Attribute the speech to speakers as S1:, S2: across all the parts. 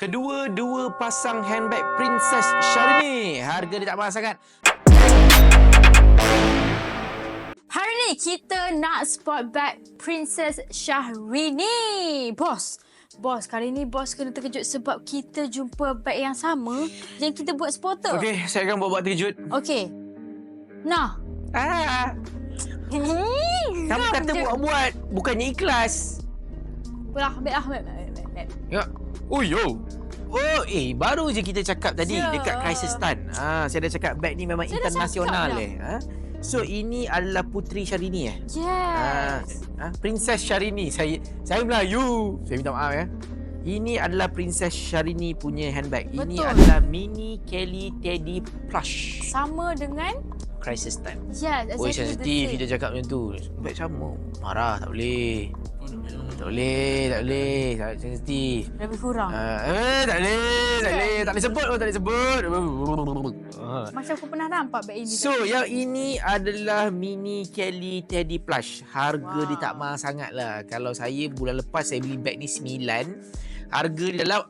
S1: Kedua-dua pasang handbag Princess Syahrini. Harga dia tak mahal sangat.
S2: Hari ni kita nak spot bag Princess Syahrini. Bos, kali ni bos kena terkejut sebab kita jumpa bag yang sama yang kita buat spotter.
S1: Okey, saya akan buat terkejut.
S2: Okey. Nah.
S1: Kamu kata buat-buat, bukannya ikhlas.
S2: Ambil.
S1: Ya. Oh, yo. Oh, baru je kita cakap tadi dekat Crisis Tan. Saya dah cakap bag ni memang
S2: Saya
S1: internasional So ini adalah Puteri Syahrini
S2: Yes.
S1: Princess Syahrini. Saya Melayu. Saya minta maaf ya. Ini adalah Princess Syahrini punya handbag.
S2: Betul.
S1: Ini adalah Mini Kelly Teddy Plush.
S2: Sama dengan
S1: Crisis Time.
S2: Yes, exactly.
S1: Sensitif kita cakap macam tu. Bag sama. Marah tak boleh. Tak boleh. Sensitif.
S2: Lebih kurang.
S1: Tak boleh sebut.
S2: Macam aku pernah nampak bag ini.
S1: So, yang ini adalah Mini Kelly Teddy Plush. Harga dia tak mahal sangat lah. Kalau saya bulan lepas saya beli bag ni 9. Harga dia dalam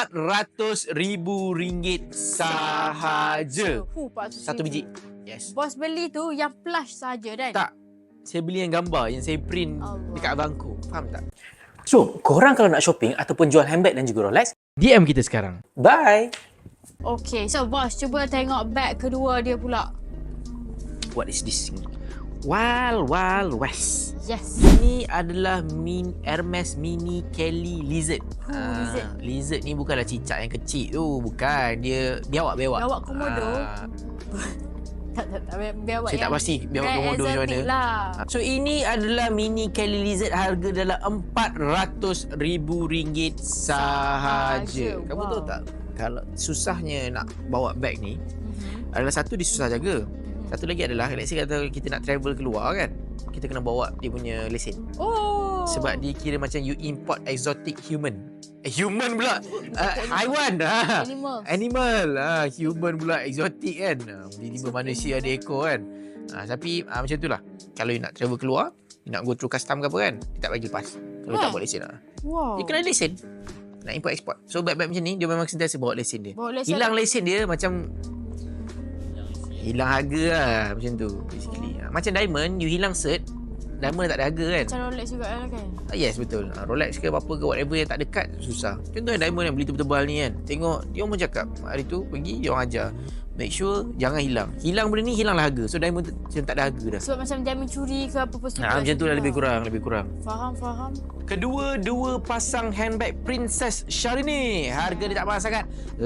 S1: RM400,000 sahaja. Satu biji. Yes.
S2: Bos beli tu yang plush saja kan?
S1: Tak. Saya beli yang gambar yang saya print dekat abangku. Faham tak?
S3: So, korang kalau nak shopping ataupun jual handbag dan juga Rolex,
S1: DM kita sekarang.
S3: bye!
S2: Okay, so bos cuba tengok bag kedua dia pula.
S1: What is this? Wild West.
S2: Yes.
S1: Ini adalah Hermes Mini Kelly Lizard. Lizard ni bukanlah cicak yang kecil tu. Bukan. Dia biawak.
S2: Biawak komodo. Tak, biawak
S1: saya tak pasti biawak komodo macam mana.
S2: Lah.
S1: So ini adalah Mini Kelly Lizard. Harga dalam RM400,000 sahaja. Kamu tahu tak? Kalau susahnya nak bawa bag ni, adalah satu dia susah jaga. Satu lagi adalah, let's say kata kita nak travel keluar kan, kita kena bawa dia punya lesen.
S2: Oh.
S1: Sebab dia kira macam you import exotic human. Human pula. Haiwan. Animal. Human pula exotic kan. Tiba-tiba manusia ada ekor kan. Tapi macam itulah. Kalau you nak travel keluar, you nak go through custom ke apa kan, dia tak bagi lepas. Kalau tak bawa lesen.
S2: Wow.
S1: Dia kena lesen. Nak import export. So bag-bag macam ni dia memang sentiasa bawa lesen dia. Hilang lesen dia macam hilang harga lah macam tu basically. Macam diamond, you hilang cert, diamond tak ada harga kan.
S2: Macam Rolex juga kan.
S1: Yes, betul. Rolex ke apa ke whatever yang tak dekat susah. Contohnya diamond yang beli tebal-tebal ni kan. Tengok dia orang pun cakap hari tu pergi dia orang ajar, make sure jangan hilang. Hilang benda ni hilanglah harga. So diamond macam tak ada harga dah.
S2: Sebab macam diamond curi ke apa pun.
S1: Macam tu lah lebih kurang.
S2: Faham.
S1: Kedua-dua pasang handbag Princess Syahrini. Harga dia tak mahal sangat.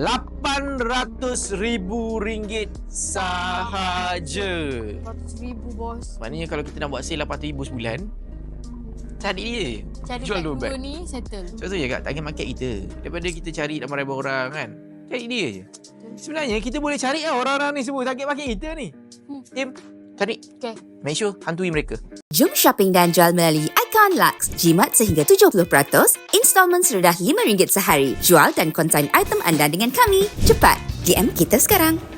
S1: RM800,000 sahaja.
S2: RM400,000 bos.
S1: Maknanya kalau kita nak buat sale RM800,000 sebulan, cari dia.
S2: Cari
S1: jual
S2: bag
S1: dua bag.
S2: dua ni settle.
S1: Sebab tu je kat target market kita. Daripada kita cari ramai-ramai orang kan, cari dia je. Sebenarnya kita boleh cari orang-orang ni semua target market kita ni. Tim, cari.
S2: Okay.
S1: Make sure hantui mereka.
S4: Jom shopping dan jual melalui Icon Lux. Jimat sehingga 70%, installment serendah RM5 sehari. Jual dan konsign item anda dengan kami. Cepat, DM kita sekarang.